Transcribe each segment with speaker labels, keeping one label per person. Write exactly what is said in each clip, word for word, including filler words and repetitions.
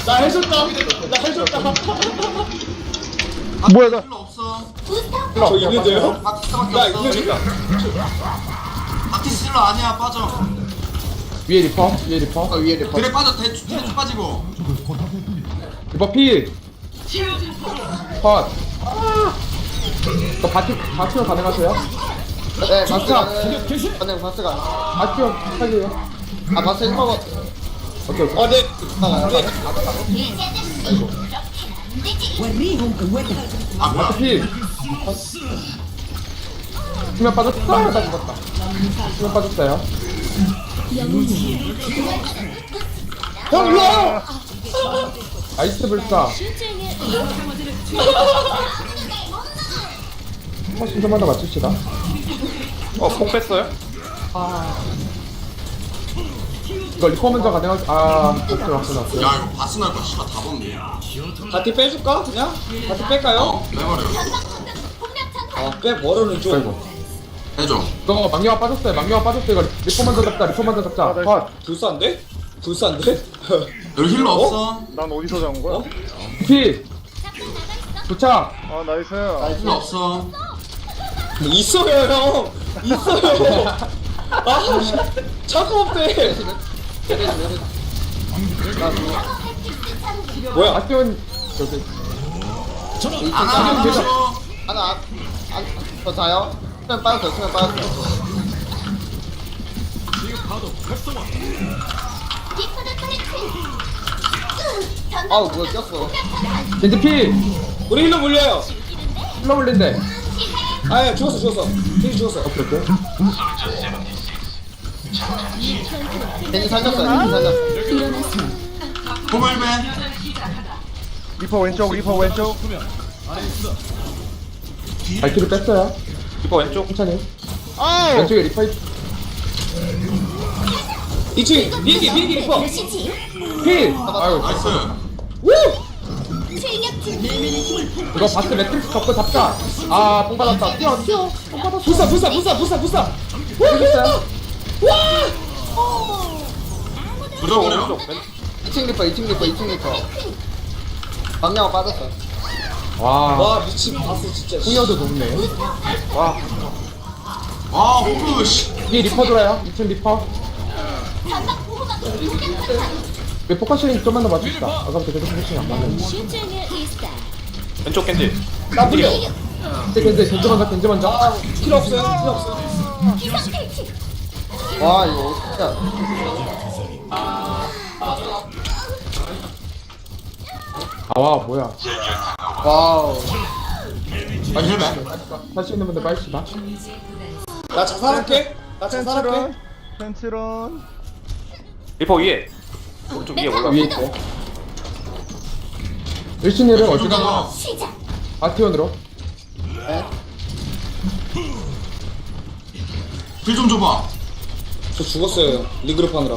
Speaker 1: 나 해줬다. 나 해줬다.
Speaker 2: 뭐야 나
Speaker 3: 필요 없어.
Speaker 1: 저 있는데요?
Speaker 3: 바티스밖에
Speaker 1: 야
Speaker 3: 없어.
Speaker 1: 이거
Speaker 3: 바티스 힐러 아니야 빠져.
Speaker 4: 위에 리퍼 위에 리퍼
Speaker 1: 아 위에 리퍼.
Speaker 3: 드랙 빠져 대 드랙 쭉 빠지고.
Speaker 4: 리퍼 필 컷. 너 바티 바티오 가능하세요?
Speaker 1: 네 바스
Speaker 4: 진짜.
Speaker 1: 가는. 가능 바스 가능.
Speaker 4: 바티오 살려요.
Speaker 1: 아 바스 일 먹었.
Speaker 4: 오케이 오케이.
Speaker 1: 어 네. 아 네.
Speaker 3: 아 뭐야?
Speaker 4: 바티 필. 수면 빠졌다. 아, 나 죽었다. 수면 빠졌어요.
Speaker 1: 형 일로 와요.
Speaker 4: 아이스 불사. 한번 신점만 더 맞춥시다.
Speaker 2: 어, 뽕 뺐어요?
Speaker 4: 이거 리퍼 먼저 가능할 아 맞죠 맞죠 맞죠.
Speaker 3: 야 이거 바스 날거 씨발 다 봤네.
Speaker 1: 바티 빼줄까 그냥? 바티 뺄까요?
Speaker 3: 어 빼버려.
Speaker 1: 아빼 뭐로는 좀.
Speaker 4: 아이고.
Speaker 3: 해줘.
Speaker 4: 이거 망령아 빠졌어요. 망령아 빠졌어요. 이거 리퍼 먼저 잡자. 리퍼 먼저 잡자. 컷.
Speaker 1: 불싼데? 불싼데?
Speaker 3: 여기 힐러 없어.
Speaker 2: 난 어디서 잡은 거야?
Speaker 4: 필. 도착.
Speaker 2: 아 나이스.
Speaker 3: 힐러 없어.
Speaker 1: 있어요 형. 있어요. 아 차가 없대. 뭐야?
Speaker 4: 아티온 저기
Speaker 3: 아나
Speaker 4: 계속.
Speaker 3: 하나
Speaker 1: 하나 안더 자요? 수면 빠졌어 수면 빠졌어. 아우 뭐야 꼈어.
Speaker 4: 겐지 필.
Speaker 1: 우리 힐러 물려요.
Speaker 4: 흘러 올린대.
Speaker 1: 아예 죽었어 죽었어. 힐 죽었어.
Speaker 4: 오케이 오케이.
Speaker 1: 겐지 살렸어요. 겐지 살렸어.
Speaker 3: 고물배.
Speaker 2: 리퍼 왼쪽 리퍼 왼쪽.
Speaker 4: 발키를 뺐어요.
Speaker 2: 리퍼 왼쪽.
Speaker 4: 천천히.
Speaker 2: 아우.
Speaker 4: 왼쪽에 리퍼 있-
Speaker 1: 이 층 비행기 비행기 리퍼.
Speaker 4: 필. 아유.
Speaker 3: 나이스.
Speaker 4: 이거 바스 매트릭스 접고 잡자. 아, 뽕 받았다. 뛰어, 뛰어. 뽕 받았어.
Speaker 1: 부사 부사 부사 부사 부사.
Speaker 4: 되겠어요?
Speaker 3: 부져버려.
Speaker 1: 이 층 리퍼 이 층 리퍼 이 층 리퍼. 방향 빠졌어.
Speaker 4: 와,
Speaker 1: 와 미친 바스 진짜.
Speaker 4: 후여도 높네. 와,
Speaker 3: 와 호그 씨.
Speaker 4: 위에 리퍼 돌아요. 이 층 리퍼. 왜 포커싱 좀만 더 맞춥시다. 아까부터 계속 포커싱이 안 맞는데.
Speaker 2: 왼쪽 겐지.
Speaker 1: 나 물려.
Speaker 4: 겐지, 겐지, 겐지 먼저, 겐지 먼저.
Speaker 1: 필요 없어요 필요 없어요. 와 이거 진짜.
Speaker 4: 아, 와, 뭐야.
Speaker 1: 와우.
Speaker 3: 아니 힐배.
Speaker 4: 할 수 있는 분들 빨리 시다.
Speaker 1: 나 자살할게. 나 자살할게.
Speaker 2: 펜트런. 리퍼 위에. 오른쪽 위에 올라.
Speaker 4: 위에 있고. 일신이를 어디 가?
Speaker 3: 가.
Speaker 4: 아티온으로.
Speaker 3: 힐좀 줘봐.
Speaker 1: 저 죽었어요. 리그룹 하느라.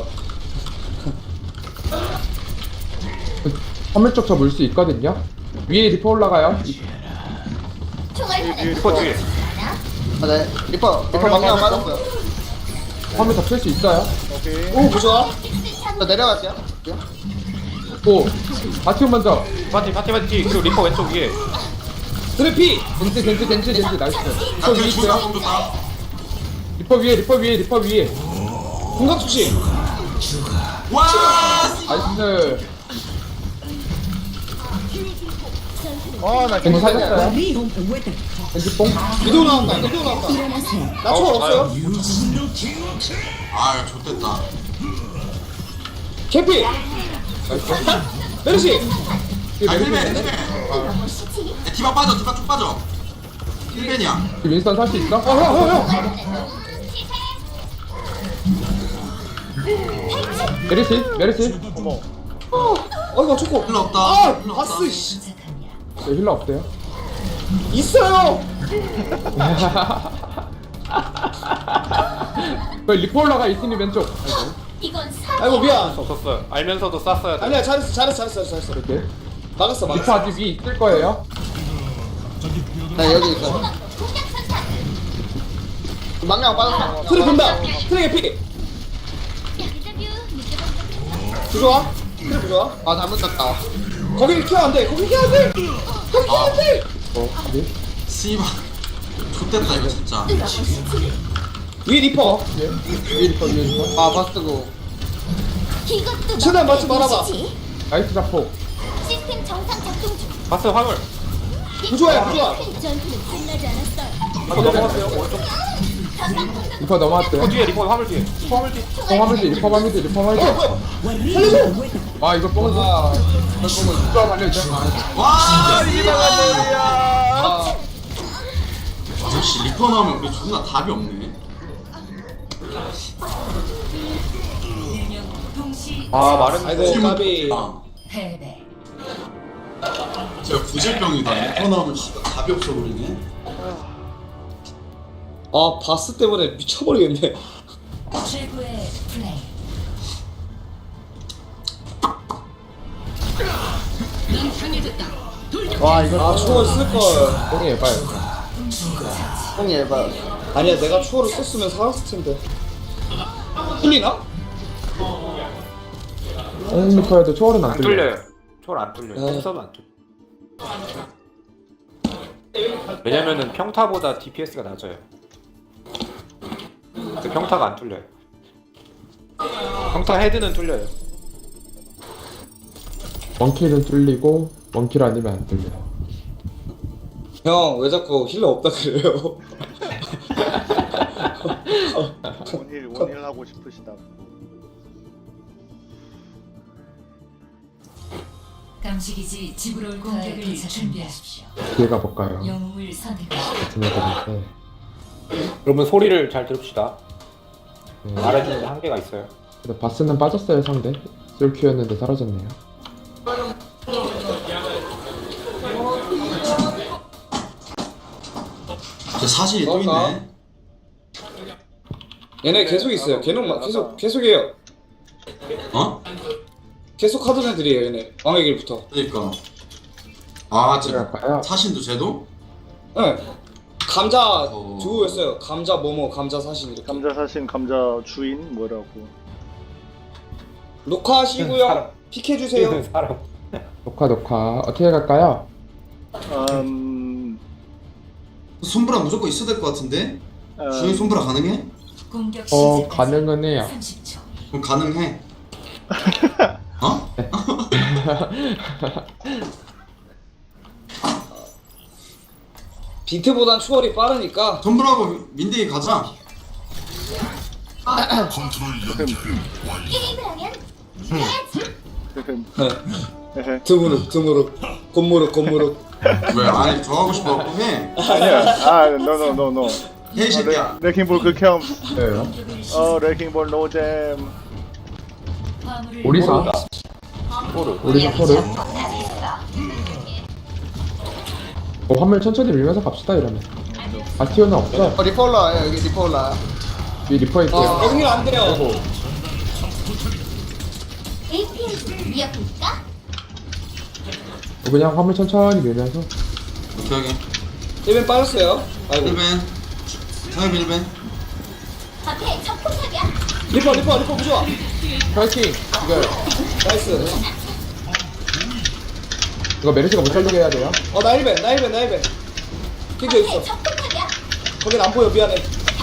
Speaker 4: 화물 쪽 저 물 수 있거든요. 위에 리퍼 올라가요. 이-
Speaker 2: 리퍼 뒤에.
Speaker 1: 아 네. 리퍼 리퍼 방향 빠졌어요.
Speaker 4: 화물 덮칠 수 있어요.
Speaker 2: 오케이.
Speaker 1: 오 부좋아. 저 내려갈게요.
Speaker 4: 오, 아티온 먼저.
Speaker 2: 파티 파티 파티. 그리고 리퍼 왼쪽 위에.
Speaker 1: 드래피.
Speaker 4: 겐지, 겐지, 겐지, 겐지. 나이스. 리퍼
Speaker 3: 나
Speaker 4: 위에
Speaker 3: 뒤에 존나
Speaker 4: 있어요.
Speaker 3: 공 좋다.
Speaker 4: 리퍼 위에, 리퍼 위에, 리퍼 위에.
Speaker 1: 공각 투시.
Speaker 3: 와.
Speaker 4: 나이스.
Speaker 2: 아나
Speaker 4: 겐지 살렸어요. 겐지 뽕.
Speaker 1: 미도 나왔다. 미도 나왔다. 나 초월 없어요.
Speaker 3: 아 좋됐다.
Speaker 1: 캐피. 메르시.
Speaker 3: 아 힐배 힐배. 디바 빠져 디바 쭉 빠져. 힐배냐.
Speaker 4: 윈스턴 살 수 있어?
Speaker 1: 어 형 형 형.
Speaker 4: 메르시, 메르시.
Speaker 2: 어머.
Speaker 1: 어 이거 초코.
Speaker 3: 힐러 없다.
Speaker 1: 아
Speaker 3: 힐러 없다.
Speaker 1: 바스 씨.
Speaker 4: 네, 힐러 없대요.
Speaker 1: 있어요.
Speaker 4: 그 리퍼 올라가 이팀이 왼쪽.
Speaker 1: 아이고 미안.
Speaker 2: 없었어요. 알면서도 쐈어야 돼.
Speaker 1: 아니야 잘했어 잘했어 잘했어 잘했어.
Speaker 4: 이렇게.
Speaker 1: 막았어
Speaker 4: 리퍼
Speaker 1: 막았어.
Speaker 4: 아직 위에 있을 거예요.
Speaker 1: 나 여기 있어. 망령 빠졌어. 트랙 본다. 트랙 피. 좋아. 그래 좋아. 아 잘못 쳤다. 거기 키워 안 돼. 거기 키워 안 돼. 거기 키워 안 돼.
Speaker 4: 어 어디?
Speaker 3: 씨발 X됐다 이거 진짜
Speaker 1: 위 리퍼.
Speaker 4: 위에 리퍼 위에 리퍼.
Speaker 1: 아 바스고.
Speaker 5: 이것도
Speaker 1: 최대한 맞춰 말아봐.
Speaker 5: 보시지.
Speaker 4: 나이스 자폭.
Speaker 5: 시스템 정상 작동 중.
Speaker 2: 바스 화물.
Speaker 1: 부조야 부조야.
Speaker 5: 전투는 끝나지 않았어요.
Speaker 2: 바스 넘어갔어요. 오른쪽.
Speaker 4: 리퍼 넘어왔대.
Speaker 2: 리퍼 뒤에 리퍼 화물 뒤에. 리퍼 화물 뒤에.
Speaker 4: 리퍼 화물지 리퍼 화물지 리퍼 화물지.
Speaker 1: 살려줘.
Speaker 4: 아 이거 뽕을
Speaker 1: 아
Speaker 4: 누가 말려줘.
Speaker 3: 와 리퍼
Speaker 1: 아.
Speaker 3: 아저씨 리퍼 나오면 우리 존나 답이 없네
Speaker 2: 아 마른.
Speaker 1: 아이고 까비.
Speaker 3: 아. 제가 구질병이다 리퍼 나오면 씨발 답이 없어 버리네
Speaker 1: 아 바스 때문에 미쳐버리겠네.
Speaker 4: 와 이거
Speaker 1: 아 추월 쓸걸.
Speaker 4: 뽕이 예뻐요.
Speaker 1: 뽕이 예봐. 아니야 내가 추월을 썼으면 살았을 텐데. 풀리나?
Speaker 4: 뽕 리퍼에도 초월은 안
Speaker 2: 안
Speaker 4: 뚫려.
Speaker 2: 뚫려요. 초월 안 뚫려요.
Speaker 1: 네.
Speaker 2: 템서도 안 뚫려. 왜냐면은 평타보다 디피에스가 낮아요. 근데 평타가 안 뚫려요. 평타 헤드는 뚫려요.
Speaker 4: 원킬은 뚫리고 원킬 아니면 안 뚫려.
Speaker 1: 형 왜 자꾸 힐러 없다 그래요?
Speaker 6: 원힐 원힐 하고 싶으시다.
Speaker 7: 감식이지 집으로 올 공격을 준비하십시오.
Speaker 4: 기회가 볼까요?
Speaker 7: 영웅을 선택하십시오.
Speaker 4: 생각해볼
Speaker 2: 여러분 소리를 잘 들읍시다.
Speaker 4: 때.
Speaker 2: 말해주는 데 한계가 있어요.
Speaker 4: 근데 바스는 빠졌어요 상대. 솔큐였는데 사라졌네요.
Speaker 3: 저 사실이 또
Speaker 1: 그럴까?
Speaker 3: 있네
Speaker 1: 얘네 계속 있어요. 걔는 막 계속 계속해요.
Speaker 3: 어?
Speaker 1: 계속 하던 애들이에요 얘네. 왕의 길부터.
Speaker 3: 그러니까 아 진짜
Speaker 4: 그럴까요?
Speaker 3: 사신도 쟤도?
Speaker 1: 네. 감자
Speaker 3: 어.
Speaker 1: 두였어요. 감자 뭐뭐 감자 사신 이렇게.
Speaker 6: 감자 사신 감자 주인 뭐라고.
Speaker 1: 녹화하시고요.
Speaker 2: 사람.
Speaker 1: 픽해 주세요.
Speaker 2: 사람.
Speaker 4: 녹화 녹화 어떻게 갈까요?
Speaker 6: 음.
Speaker 3: 손브라 무조건 있어야 될 것 같은데?
Speaker 6: 음,
Speaker 3: 주인 손브라 가능해?
Speaker 7: 공격
Speaker 4: 어
Speaker 7: 시작까지
Speaker 4: 가능은 해요.
Speaker 7: 삼십 초.
Speaker 3: 그럼 가능해 어?
Speaker 1: 비트보단 추월이 빠르니까.
Speaker 3: 손브라하고 민대기 가자
Speaker 5: 게임을 하면 해야지.
Speaker 1: 네. 드무룩 드무룩 곤무룩 곤무룩.
Speaker 3: 왜? 아니 저 하고 싶어 해
Speaker 6: 아니야. 아, 노노노노.
Speaker 3: 해 이 새끼야
Speaker 6: 레킹볼 극혐.
Speaker 4: 왜요?
Speaker 6: 어, 레킹볼 노잼.
Speaker 7: 화물을
Speaker 4: 오리사
Speaker 2: 토르.
Speaker 4: 오리사 토르. 어 화물 천천히 밀면서 갑시다 이러면. 바티오는 없어.
Speaker 1: 어, 리퍼 올라와요 여기 리퍼 올라.
Speaker 4: 위 리퍼 있대요.
Speaker 1: 어 여기 안 돼요.
Speaker 4: 아이고
Speaker 5: 에이피엠 이어볼까?
Speaker 4: 어, 그냥 화물 천천히 밀면서.
Speaker 3: 오케이 오케이
Speaker 1: 일벤 빠졌어요. 아이고.
Speaker 3: 일벤 상엽 일벤
Speaker 5: 앞에 적폭탑이야.
Speaker 1: 리퍼 리퍼 리퍼 부좋아.
Speaker 4: 파이팅. 이거
Speaker 1: 나이스.
Speaker 4: 이거 메르시가 못 살리게 해야 돼요.
Speaker 1: 어나 일벤 나 일벤 나 일벤. 핑크
Speaker 5: 앞에
Speaker 1: 있어.
Speaker 5: 적폭탑이야.
Speaker 1: 거긴 안 보여 미안해.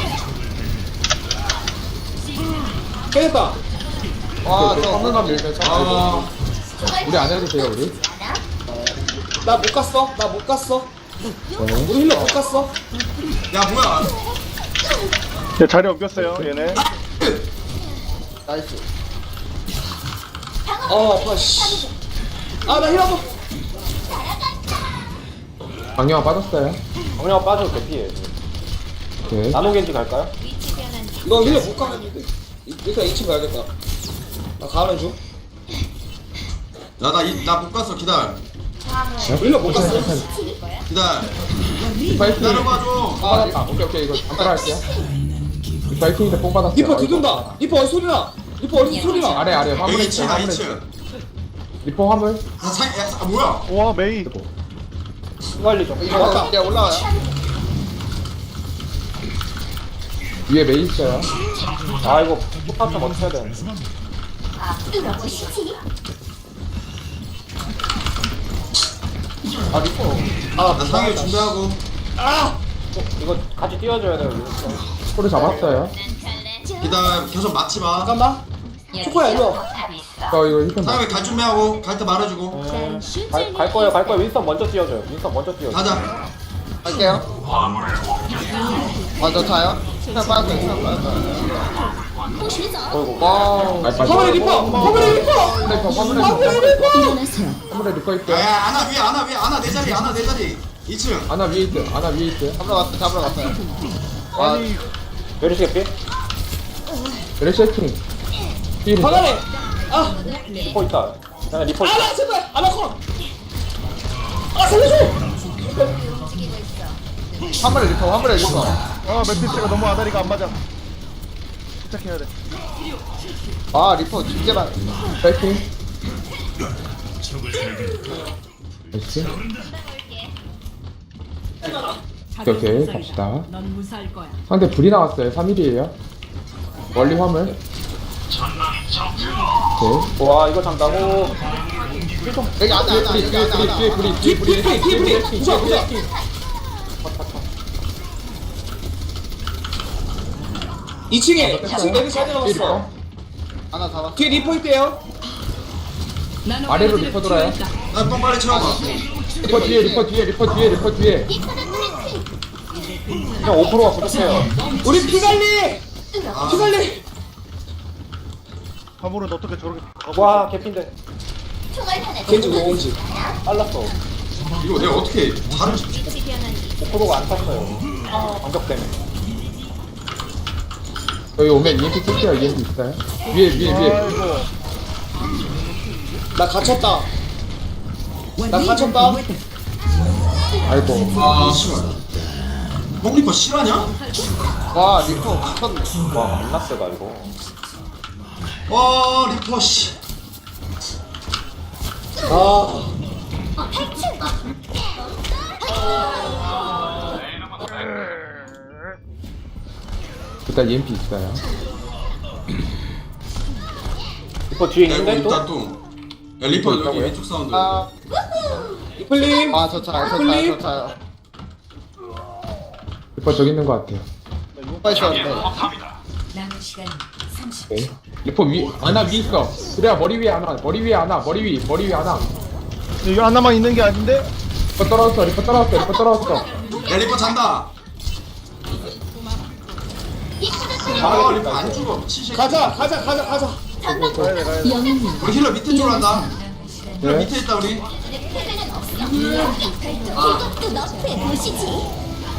Speaker 1: 깨졌다.
Speaker 4: 저 화물만 밀면서.
Speaker 3: 아
Speaker 4: 우리 안 해도 돼요 우리.
Speaker 1: 나 못 갔어. 나 못 갔어.
Speaker 4: 저는
Speaker 1: 우리 힐러 못 갔어.
Speaker 3: 야 뭐야
Speaker 6: 얘 자리 옮겼어요, 얘네.
Speaker 1: 나이스. 아 아파 씨. 아나 힐 한번.
Speaker 4: 방영아 빠졌어요.
Speaker 2: 정령 빠져도 대피해.
Speaker 4: 오케이.
Speaker 2: 나노겐지 갈까요?
Speaker 1: 이거 힐러 못 가겠는데. 일단 이 층 가야겠다. 나 가는 중.
Speaker 3: 야나나못 갔어 기다려
Speaker 1: 힐러 못 갔어.
Speaker 3: 기다려
Speaker 4: 파이팅.
Speaker 3: 기다려봐줘
Speaker 1: 아
Speaker 4: 받았다. 오케이 오케이 이거 안 따라할게요. 파이팅인데 뽕 받았어요.
Speaker 1: 리퍼
Speaker 4: 아이고.
Speaker 1: 두둔다. 리퍼 어디 소리 나? 리퍼 어디 소리 나?
Speaker 4: 아래 아래 화물
Speaker 3: 여기
Speaker 4: 있어.
Speaker 3: 이 층아
Speaker 4: 화물
Speaker 3: 이
Speaker 4: 있어.
Speaker 3: 층
Speaker 4: 리퍼 화물.
Speaker 3: 아, 사, 야, 사, 아, 뭐야
Speaker 6: 와, 메이.
Speaker 2: 순간리 좀.
Speaker 1: 이거 왔다. 야 올라와요.
Speaker 4: 위에 메이 있어요.
Speaker 2: 아 이거 포탑 좀 어떻게 해야 되는데.
Speaker 5: 뚫어보시지.
Speaker 1: 아 리포.
Speaker 3: 나 상해 준비하고.
Speaker 2: 어, 이거 같이 띄워줘야 돼요. 이거.
Speaker 4: 소리 잡았어요.
Speaker 3: 기다려. 계속 맞지 마.
Speaker 2: 잠깐만. 초코야 일로 와.
Speaker 4: 저 이거 힐좀
Speaker 3: 상해 갈 준비하고. 갈 때 말해주고.
Speaker 2: 갈, 갈 거예요, 갈 거예요. 윈스턴 먼저 띄워줘요. 윈스턴 먼저 띄워줘.
Speaker 3: 가자.
Speaker 1: 할게요. 아저 자요? 그냥 빠졌어요. 그냥 빠졌어요.
Speaker 2: 어이구.
Speaker 1: 와우.
Speaker 4: 화물에 리퍼! 화물에 리퍼! 리퍼 화물에 리퍼! 화물에 리퍼 있대.
Speaker 3: 야야 안아 위에 안아 위에 안아 내 자리 안아 내 자리. 이 층.
Speaker 4: 아나 위에 있대. 아나 위에 있대.
Speaker 1: 잡으러 갔어. 잡으러 갔어요. 와
Speaker 2: 메르시 개피?
Speaker 4: 레시 해킹. 힐.
Speaker 2: 화면에! 아! 리퍼 있다. 야, 리퍼 있다.
Speaker 8: 아나 제발 아나 컷. 아 살려줘.
Speaker 1: 화물에 리퍼. 화물에 리퍼.
Speaker 6: 아 매트리스가 너무 아다리가 안 맞아. 부탁해야 돼.
Speaker 1: 아 리퍼 진짜만.
Speaker 4: 해킹. 나이스. 오케이 오케이 갑시다.
Speaker 8: 넌 무사할 거야.
Speaker 4: 상대 불이 나왔어요. 삼 일이에요. 멀리 화물. 오케이.
Speaker 2: 와, 이거 잔다고.
Speaker 1: 여기 안에 안에
Speaker 4: 불이
Speaker 1: 여기 안에
Speaker 4: 불이
Speaker 1: 안에.
Speaker 4: 뒤에 불이 뒤에 불이
Speaker 8: 뒤에 불이 뒤에 불이. 부숴 부숴. 이 층에 이 층 내리 잘 들어갔어.
Speaker 1: 하나 잡았어.
Speaker 8: 뒤에 리포 있대요.
Speaker 4: 아래로 리퍼 돌아요.
Speaker 3: 나똥 빨리 채워봐.
Speaker 4: 리퍼 뒤에 리퍼 뒤에 리퍼 뒤에 리퍼 뒤에.
Speaker 2: 그냥 오 퍼센트가 부족해요.
Speaker 8: 우리 피 관리.
Speaker 3: 아,
Speaker 8: 피 관리.
Speaker 6: 화물은 어떻게 저렇게 가고
Speaker 2: 와, 개핀데.
Speaker 8: 겐지 오온지.
Speaker 2: 빨랐어.
Speaker 3: 이거 내가 어떻게 잘을
Speaker 2: 오 퍼센트가 안 탔어요. 반격 때문에.
Speaker 4: 여기 오면 이엠피 쓸게요. 이엠피 있어요. 위에 위에 위에.
Speaker 6: 아이고.
Speaker 8: 나 갇혔다. 나 갇혔다.
Speaker 4: 아이고.
Speaker 3: 아 씨발. 뽕리퍼 실화냐?
Speaker 1: 와 리퍼 미쳤네.
Speaker 2: 와, 겁나 세다, 이거.
Speaker 3: 와 리퍼 씨.
Speaker 8: 아.
Speaker 4: 일단 이엠피 있어요.
Speaker 2: 리퍼 뒤에
Speaker 3: 야 이거
Speaker 2: 있는데 또?
Speaker 3: 일단 똥. 야 리퍼 여기 왼쪽 사운드.
Speaker 1: 아,
Speaker 8: 이플님.
Speaker 1: 아저 차요. 저 차요. 저 차요.
Speaker 4: 리퍼 저기 있는 것 같아요.
Speaker 1: 리퍼 있었는데.
Speaker 7: 남은 시간 삼십 초.
Speaker 4: 오케이. 리퍼 위 아나 위 있어. 그래야 머리 위에 하나. 머리 위에 하나. 머리 위 머리 위에 하나.
Speaker 6: 이거 하나만 있는 게 아닌데?
Speaker 4: 리퍼 떨어졌어. 리퍼 떨어졌어. 리퍼 떨어졌어.
Speaker 3: 야 리퍼 잔다. 아 리퍼 안 죽어 미친 새끼.
Speaker 8: 가자 가자 가자 가자.
Speaker 6: 가야 돼 가야 돼.
Speaker 3: 우리 힐러 밑에 쪽으로 한다. 힐러
Speaker 4: 네.
Speaker 3: 밑에 있다 우리.
Speaker 5: 이것도 너프에 보시지.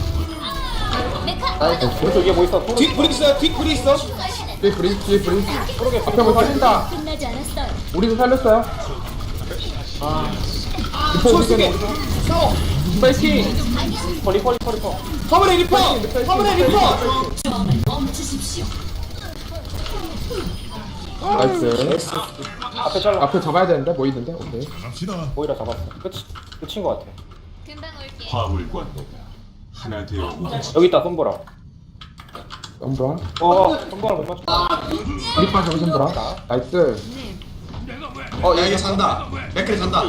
Speaker 5: 메카
Speaker 2: 오른쪽 위에 뭐 있어? 토르.
Speaker 8: 뒷 불이 있어요. 뒷 불이 있어.
Speaker 4: 뒤에 브리 뒤에 브리.
Speaker 2: 토르게
Speaker 4: 앞에 뭐 살린다.
Speaker 5: 끝나지 않았어요.
Speaker 4: 우리도 살렸어요. 아. 리퍼 우리
Speaker 8: 소스게.
Speaker 4: 편에
Speaker 8: 싸워.
Speaker 4: 파이팅.
Speaker 2: 리퍼, 리퍼, 리퍼, 리퍼.
Speaker 8: 화물에 리포. 화물에 리포.
Speaker 7: 멈추십시오.
Speaker 4: 나이스.
Speaker 2: 앞에 잘라.
Speaker 4: 앞에 잡아야 되는데 뭐 있는데? 오케이.
Speaker 2: 오히려 잡았어. 끝, 끝인 것 같아.
Speaker 5: 금방 올게.
Speaker 9: 화물관도가 하나 되어
Speaker 2: 여기 있다, 손보라.
Speaker 4: 썸브라.
Speaker 2: 어, 손보라 못 맞춰.
Speaker 4: 리퍼 저기 썸브라. 나이스.
Speaker 3: 어야 이거 잔다. 맥클이 잔다.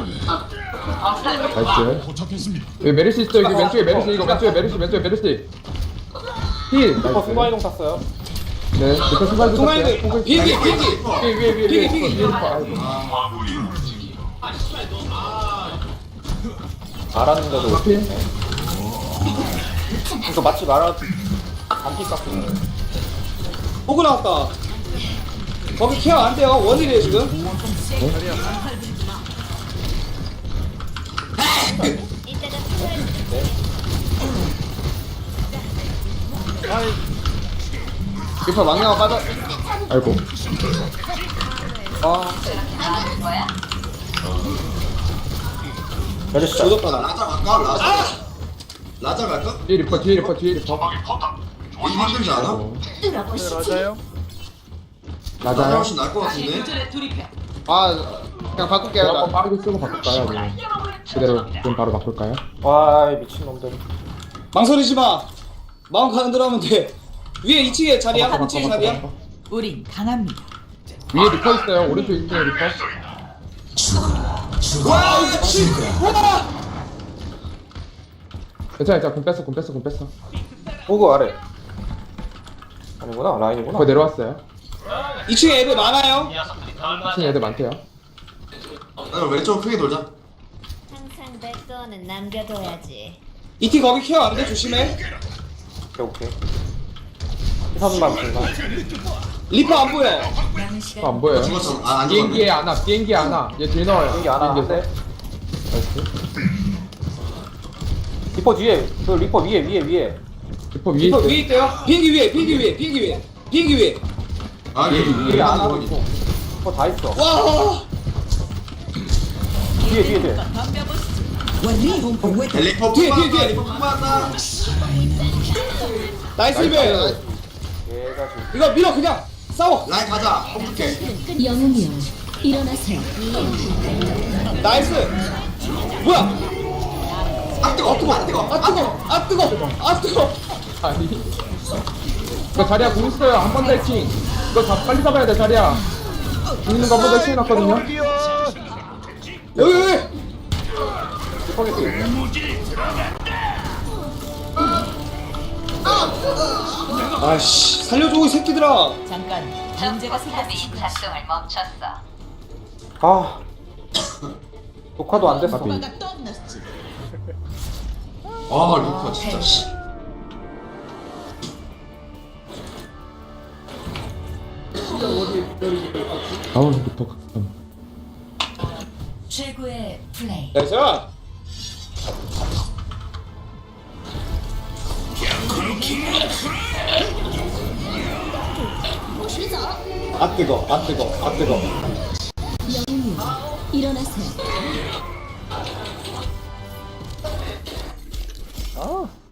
Speaker 4: 나이스. 여기 메르시 있어. 여기 왼쪽에 메르시 이거 왼쪽에 메르시 왼쪽에 메르시. 힐.
Speaker 2: 리퍼
Speaker 4: 나이스.
Speaker 2: 순간이동 탔어요.
Speaker 4: 네. 리퍼 순간이동.
Speaker 8: 동아인데 비행기 비행기.
Speaker 4: 위에 위에 위에 위에
Speaker 8: 비행기,
Speaker 4: 리퍼, 위에 리퍼. 아이고.
Speaker 2: 알았는데도.
Speaker 4: 하필.
Speaker 2: 이거 맞지 말아. 안피 깎고.
Speaker 8: 보고 나왔다. 거기 케어 안 돼요. 원일이에요 지금.
Speaker 5: 이따가 필요할
Speaker 1: 리퍼 망령아 빠져.
Speaker 4: 아이고.
Speaker 1: 아
Speaker 2: 메르시 잘.
Speaker 8: 조졌다 나.
Speaker 3: 라자 갈까? 라자. 라자 갈까?
Speaker 4: 뒤에 리퍼 뒤에 리퍼 뒤에 리퍼.
Speaker 3: 이거 힘들지 않아?
Speaker 4: 어,
Speaker 6: 네, 맞아요.
Speaker 3: 라자
Speaker 4: 맞아요.
Speaker 3: 훨씬 나을 것 같은데.
Speaker 1: 아 그냥 바꿀게요.
Speaker 4: 제가 한번
Speaker 1: 나.
Speaker 4: 빠르게 쓰고 바꿀까요? 아니면 그대로 좀 바로 바꿀까요?
Speaker 2: 와, 미친놈들.
Speaker 8: 망설이지 마. 마음 가는 대로 하면 돼. 위에 이 층에 자리야. 이 층에 자리야.
Speaker 7: 우린 강합니다.
Speaker 4: 위에 리퍼 있어요. 오른쪽 이 층에 리퍼.
Speaker 3: 와
Speaker 8: 씨. 와.
Speaker 4: 괜찮아 괜찮아 공 뺐어 공 뺐어 공 뺐어.
Speaker 2: 호그 아래. 아니구나 라인이구나.
Speaker 4: 거의 내려왔어요.
Speaker 8: 이 층에 애들 많아요.
Speaker 4: 이 층 애들 많대요.
Speaker 3: 나 왼쪽 크게 돌자.
Speaker 5: 항상 내 거는 남겨둬야지.
Speaker 8: 이티 거기 케어 안 돼. 조심해.
Speaker 2: 오케이 오케이. 희선만 분산.
Speaker 8: 리퍼 안 보여.
Speaker 7: 남은 시간
Speaker 4: 안 보여요.
Speaker 3: 죽었어. 아, 안
Speaker 4: 비행기에
Speaker 3: 죽었네.
Speaker 4: 안와 비행기에 안와. 얘 뒤에 넣어요.
Speaker 2: 비행기 안
Speaker 4: 비행기에서.
Speaker 2: 하는데.
Speaker 4: 나이스.
Speaker 2: 리퍼 뒤에 그 리퍼 위에 위에 위에.
Speaker 4: 리퍼 위에
Speaker 8: 리퍼
Speaker 4: 있어.
Speaker 8: 위에 있대요. 비행기 위에, 비행기 위에, 비행기 위에, 비행기 위에.
Speaker 3: 아, 이게
Speaker 2: 위에
Speaker 3: 이게
Speaker 2: 안
Speaker 3: 안
Speaker 2: 하고
Speaker 3: 하고
Speaker 2: 있고. 리퍼 다 있어.
Speaker 8: 와.
Speaker 2: 뒤에 뒤에 뒤에.
Speaker 3: 리퍼
Speaker 8: 뒤에, 뒤에,
Speaker 3: 뽑았다.
Speaker 8: 뒤에.
Speaker 3: 리퍼 뽑았다.
Speaker 8: 나이스 힐.
Speaker 2: 얘가 지금
Speaker 8: 이거 밀어 그냥 싸워.
Speaker 3: 라인 가자. 컴퓨터.
Speaker 5: 영웅이여 일어나세요.
Speaker 8: 나이스. 뭐야?
Speaker 3: 아 뜨거. 뜨거. 아 뜨거.
Speaker 8: 아 뜨거, 아 뜨거, 아 뜨거.
Speaker 4: 아니. 이거 자리야 공 있어요. 한 번 더 해킹. 이거 다 빨리 잡아야 돼 자리야. 공 있는 거 한 번 더 해킹 해놨거든요.
Speaker 8: 여기 여기.
Speaker 2: 리퍼게 뒤에.
Speaker 8: 아씨, 살려줘 이 새끼들아.
Speaker 7: 잠깐 문제가 생겼습니다.
Speaker 5: 작동을 멈췄어.
Speaker 2: 아. 녹화도 안 됐어.
Speaker 3: 아, 리퍼 진짜. 씨.
Speaker 4: 아우 리퍼 극혐.
Speaker 7: 최고의 플레이.
Speaker 8: 나이스. 아 뜨거, 아 뜨거, 아 뜨거.
Speaker 5: 영웅이여 일어나세요.
Speaker 6: 아